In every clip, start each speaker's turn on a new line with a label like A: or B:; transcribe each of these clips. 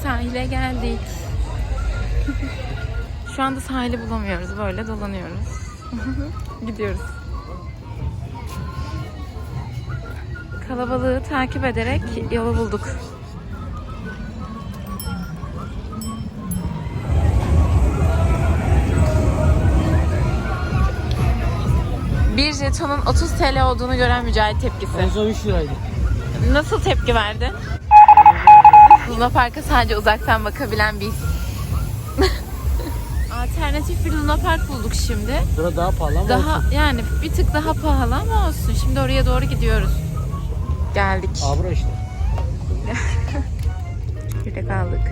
A: Sahile geldik. Şu anda sahili bulamıyoruz. Böyle dolanıyoruz. Gidiyoruz. Kalabalığı takip ederek yolu bulduk. Bir jetonun 30 TL olduğunu gören Mücahit tepkisi.
B: En son 3 liraydı.
A: Nasıl tepki verdin? Luna Park'a sadece uzaktan bakabilen biz. Alternatif bir Luna Park bulduk şimdi.
B: Burada daha pahalı ama
A: Daha
B: olsun.
A: yani bir tık daha pahalı ama olsun. Şimdi oraya doğru gidiyoruz. Geldik.
B: Abra işte.
A: Çekirdek aldık.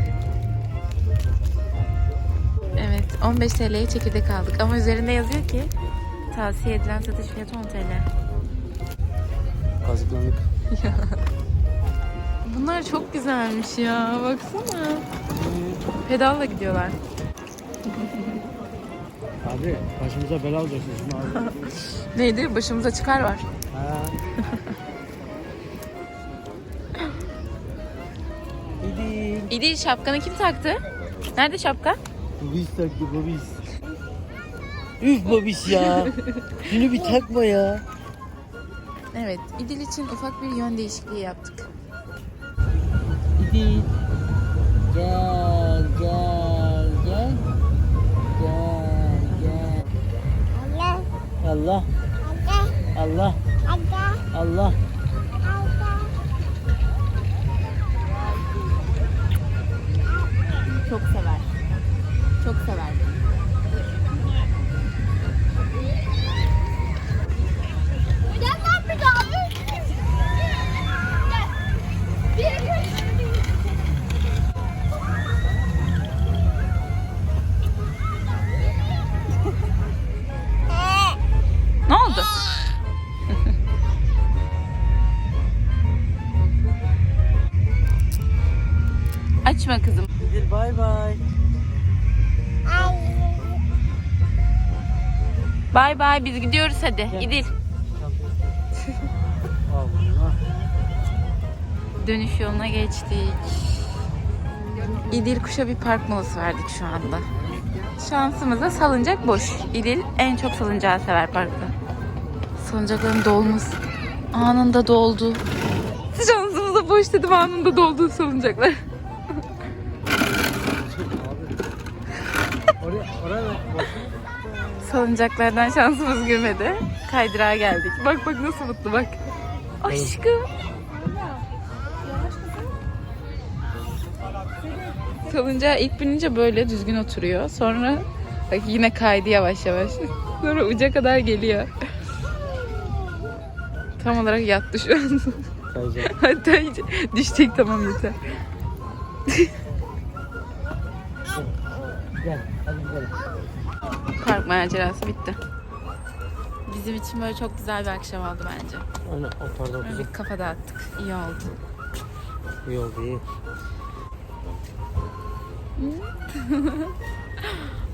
A: Evet, 15 TL'ye çekirdek aldık ama üzerinde yazıyor ki tavsiye edilen satış fiyatı 10 TL.
B: Kazıklandık.
A: Bunlar çok güzelmiş ya. Baksana. Pedalla gidiyorlar.
B: Abi başımıza bela olacaksın şimdi abi.
A: Neydi? Başımıza çıkar var.
B: Ha. İdil.
A: İdil şapkanı kim taktı? Nerede şapka?
B: Babiş taktı babiş. Üf babiş ya. Şunu bir takma ya.
A: Evet, İdil için ufak bir yön değişikliği yaptık.
B: İdil. Gel gel gel. Gel gel. Allah. Allah. Allah.
A: Çok sever. Çok sever. Ne oldu? Açma kızım.
B: İdil bay bay.
A: Bay bay, biz gidiyoruz hadi.
B: Gel.
A: İdil.
B: Allah.
A: Dönüş yoluna geçtik. İdil Kuş'a bir park molası verdik şu anda. Şansımıza salıncak boş. İdil en çok salıncağı sever parkta. Salıncakların dolması anında doldu. Şansımıza boş dedim, anında doldu salıncaklar.
B: Oraya bak.
A: Salıncaklardan şansımız gülmedi. Kaydırağa geldik. Bak bak nasıl mutlu bak. Aşkım. Salıncağa ilk binince böyle düzgün oturuyor. Sonra bak yine kaydı yavaş yavaş. Sonra uca kadar geliyor. Tam olarak yattı şu an.
B: Kayacak.
A: Hatta iyice düşecek, tamam yeter.
B: Gel hadi gidelim.
A: Park macerası bitti. Bizim için böyle çok güzel bir akşam oldu bence.
B: Aynen o pardon
A: Böyle
B: kızım.
A: bir kafa dağıttık. İyi oldu.
B: İyi oldu iyi.